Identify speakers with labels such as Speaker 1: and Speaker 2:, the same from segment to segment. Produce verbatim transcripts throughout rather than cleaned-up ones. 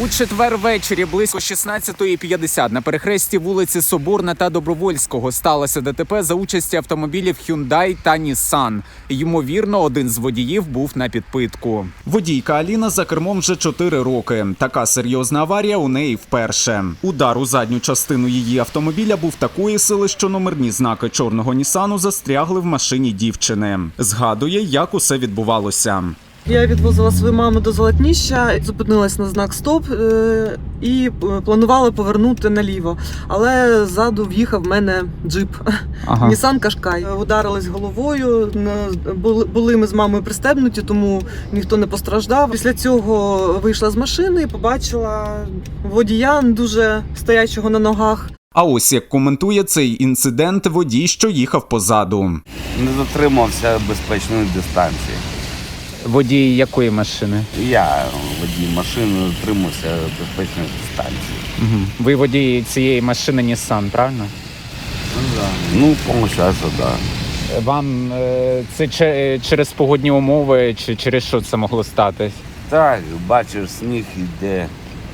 Speaker 1: У четвер ввечері близько шістнадцятої п'ятдесят на перехресті вулиці Соборна та Добровольського сталося ДТП за участі автомобілів Hyundai та Nissan. Ймовірно, один з водіїв був на підпитку. Водійка Аліна за кермом вже чотири роки. Така серйозна аварія у неї вперше. Удар у задню частину її автомобіля був такої сили, що номерні знаки чорного Нісану застрягли в машині дівчини. Згадує, як усе відбувалося.
Speaker 2: Я відвозила свою маму до Золотніща, зупинилась на знак «Стоп» і планувала повернути наліво. Але ззаду в'їхав в мене джип, ага. Nissan Qashqai. Ударилась головою, були ми з мамою пристебнуті, тому ніхто не постраждав. Після цього вийшла з машини і побачила водія дуже стоячого на ногах.
Speaker 1: А ось як коментує цей інцидент водій, що їхав позаду.
Speaker 3: Не дотримався безпечної дистанції.
Speaker 1: Водій якої машини?
Speaker 3: Я водій машини дотримався безпечної дистанції.
Speaker 1: Угу. Ви водій цієї машини Nissan, правильно?
Speaker 3: Ну, да. Ну, по-моєму, так, да.
Speaker 1: Вам е, це через погодні умови чи через що це могло статись?
Speaker 3: Так, бачиш, сніг йде.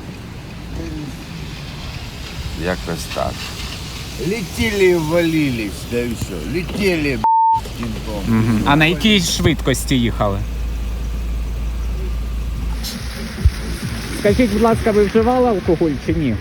Speaker 3: Якось так.
Speaker 4: Летели и валились, да и все. Летели,
Speaker 1: угу. А на якій швидкості їхали? Скажіть, будь ласка, ви вживали алкоголь чи ні?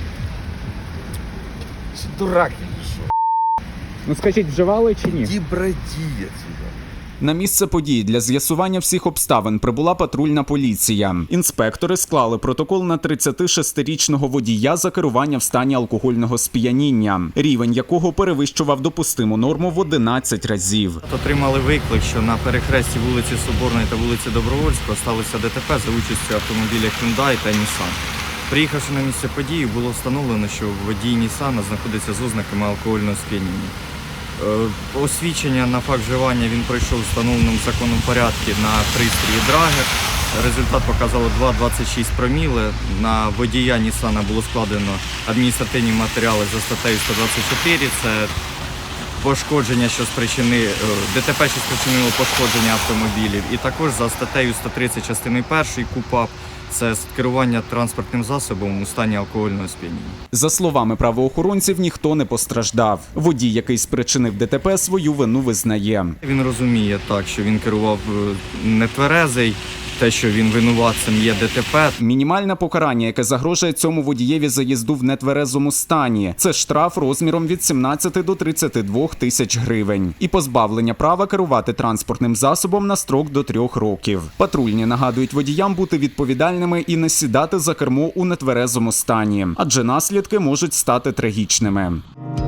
Speaker 4: Дурак или что?
Speaker 1: Ну скажіть, вживали чи ні?
Speaker 4: Иди броди отсюда.
Speaker 1: На місце події для з'ясування всіх обставин прибула патрульна поліція. Інспектори склали протокол на тридцятишестирічного водія за керування в стані алкогольного сп'яніння, рівень якого перевищував допустиму норму в одинадцять разів.
Speaker 5: Отримали виклик, що на перехресті вулиці Соборної та вулиці Добровольського сталося ДТП за участю автомобіля Hyundai та Nissan. Приїхавши на місце події, було встановлено, що водій Nissan знаходиться з ознаками алкогольного сп'яніння. Освідчення на факт вживання він пройшов в встановленому законом порядку на пристрої Драгер. Результат показало два цілих двадцять шість проміли. На водія Нісана було складено адміністративні матеріали за статтею сто двадцять чотири. Це пошкодження, що спричинило, ДТП, що спричинило пошкодження автомобілів. І також за статтею сто тридцять частиною першою КУпАП. Це керування транспортним засобом у стані алкогольного сп'яніння. За словами правоохоронців, ніхто не постраждав. Водій, який спричинив ДТП, свою вину визнає. Він розуміє так, що він керував нетверезий, те, що він винуватцем є ДТП. Мінімальне покарання, яке загрожує цьому водієві за їзду в нетверезому стані, це штраф розміром від сімнадцяти до тридцяти двох тисяч гривень. І позбавлення права керувати транспортним засобом на строк до трьох років. Патрульні нагадують водіям бути відповідальними і не сідати за кермо у нетверезому стані, адже наслідки можуть стати трагічними.